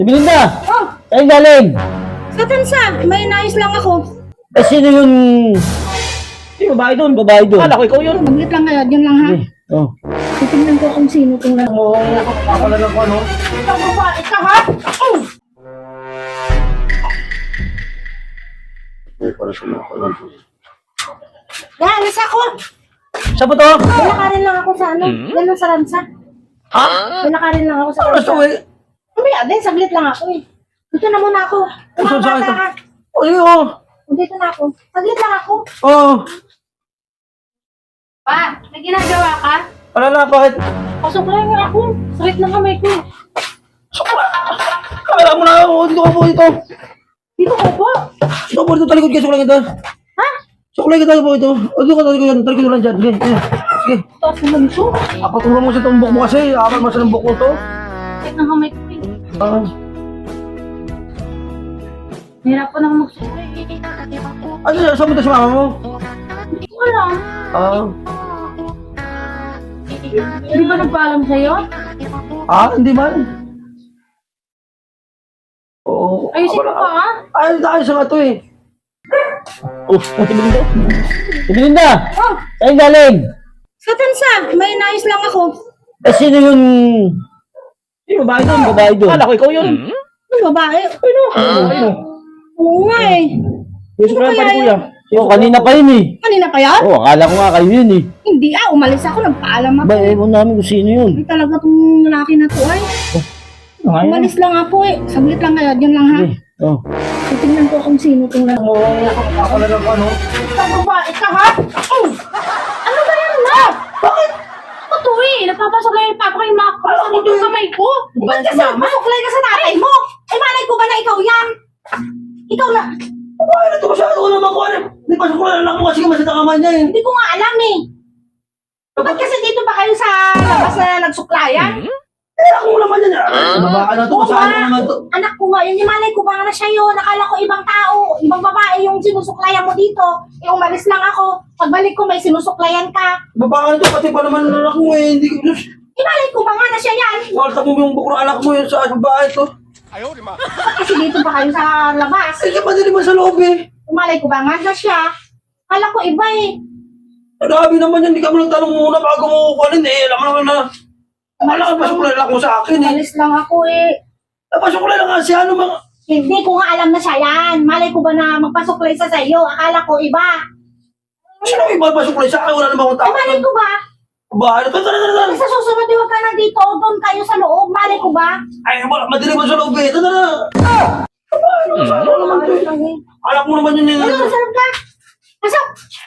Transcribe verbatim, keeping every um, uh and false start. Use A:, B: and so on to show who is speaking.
A: Belinda!
B: Oh,
A: Saan galing?
B: sa tansa. May nais lang ako.
A: Eh, sino yung... Sino babae doon? Babae doon. Kala ko ikaw yun.
B: Maglit lang kayo. Yun lang ha.
A: Eh, oh.
B: Titignan ko kung sino itong lang.
A: Mo, nakapapala lang ko, ano?
B: Ikaw babae ka ha? Oh! Yan, nasa ako.
A: Saan po to?
B: Nalakarin lang ako sa ano. Yan lang sa ransa.
A: Ha?
B: Nalakarin lang ako sa
A: Ano
B: ransa.
A: to eh?
B: Mamaya din, saglit lang ako eh. Dito na muna ako.
A: Saan
B: Mga
A: saan
B: bata
A: ito?
B: ha.
A: Oh, yun, oh.
B: Dito na ako. Saglit lang ako.
A: Oh.
B: Pa, may ginagawa ka?
A: Wala na, bakit?
B: Pasok lang nga ako. Sakit ng kamay ko.
A: Kala mo na, oh, dito ka po dito.
B: Dito ko po.
A: Dito po dito, talikod ka, sukulay kita.
B: Ha?
A: Sukulay kita po ito. O, dito ka, talikod yan, talikod lang dyan. Sige, sige. Sige.
B: Taas naman ito.
A: Apatulong mo sa tumbok mo kasi, apat mo sa tumbok mo to.
B: Sakit ng kamay ko eh.
A: Ah.
B: Nahirapan ako magsuklay.
A: Ano, saan mo ito sa mama mo?
B: Hindi ko alam.
A: Ah.
B: Hindi ba nagpaalam sa'yo?
A: Ah, hindi man. Oo.
B: Ayusin ko pa ha?
A: Ay, ayos nga ito eh. Oh, oh, si Belinda. Si Belinda!
B: Oh,
A: Saan galing?
B: sa tansa. May nais lang ako.
A: Eh, sino yung... Sino babae doon? Babae doon. Kala ko ikaw yun.
B: Ano babae? Ano?
A: Ano?
B: Oo nga eh.
A: Yung
B: Ano
A: pa
B: kaya
A: ni kuya. Oh, kanina pa yun eh.
B: Kanina pa yan?
A: Oh, akala ko nga kayo yun eh.
B: Hindi ah, umalis ako. Nagpaalam ako.
A: Ba, ewan namin kung sino yun.
B: Hindi talaga tong lalaki na to ay.
A: Ano nga yun?
B: Umalis lang ako eh. Saglit lang kayo. Yun lang ha.
A: Eh, oh.
B: Titignan ko kung sino itong lalaki.
A: Mo, nakapapala lang ko, ano?
B: Ikaw babae ka ha? Oh! Ano ba yan na? Bakit? Ako to eh. Nagpapasok lang yung papa ko yung mga kapatid yung kamay ko. Ba't kasi masuklay ka sa tatay mo? Eh malay ko ba na ikaw yan? Ikaw na.
A: Babae na ito masyado ko naman ko. Hindi pa sa kulang anak mo kasi masita kamay niya eh.
B: Hindi ko nga alam eh. Ba't kasi dito ba kayo sa labas na nagsuklayan?
A: Eh, ako mo naman yan. Ah, babae na ito,
B: Oo
A: masaan ko
B: nga.
A: naman ito.
B: Anak ko nga, yun yung malay ko ba na siya yun. Nakala ko ibang tao, ibang babae yung sinusuklayan mo dito. Eh, umalis lang ako. Pagbalik ko, may sinusuklayan ka.
A: Babae na ito, pati pa naman ang anak mo eh. Hindi ko...
B: Eh, malay ko ba nga na siya yan?
A: Walta mo yung bukro anak mo yun sa babae ito.
B: Ba't kasi dito ba kayo sa labas?
A: Eh, siya pa din naman sa loob eh.
B: Malay ko ba nga na siya? Kala ko iba eh.
A: Grabe naman yan, hindi ka mo nagtanong muna bago mo kukunin eh. Alam mo naman na... Wala ka pasukulay lang ko sa akin eh.
B: Umalis lang ako eh.
A: Napasukulay lang nga siya, ano mga...
B: Hindi ko nga alam na siya yan. Malay ko ba na magpasuklay sa sa'yo? Akala ko iba.
A: Sino yung iba pasukulay sa akin? Wala naman akong
B: Eh,
A: tao.
B: malay ko ba?
A: Babae na ito, tara, tara, tara.
B: Eh, sa susunod, di wag ka na dito. Doon kayo sa loob. Malay ko ba?
A: Ay, wala, madilim mo sa loob eh. Tara, tara. Babae na, masama naman ito eh. Anak mo naman yun eh.
B: Ano, masarap ka? Pasok!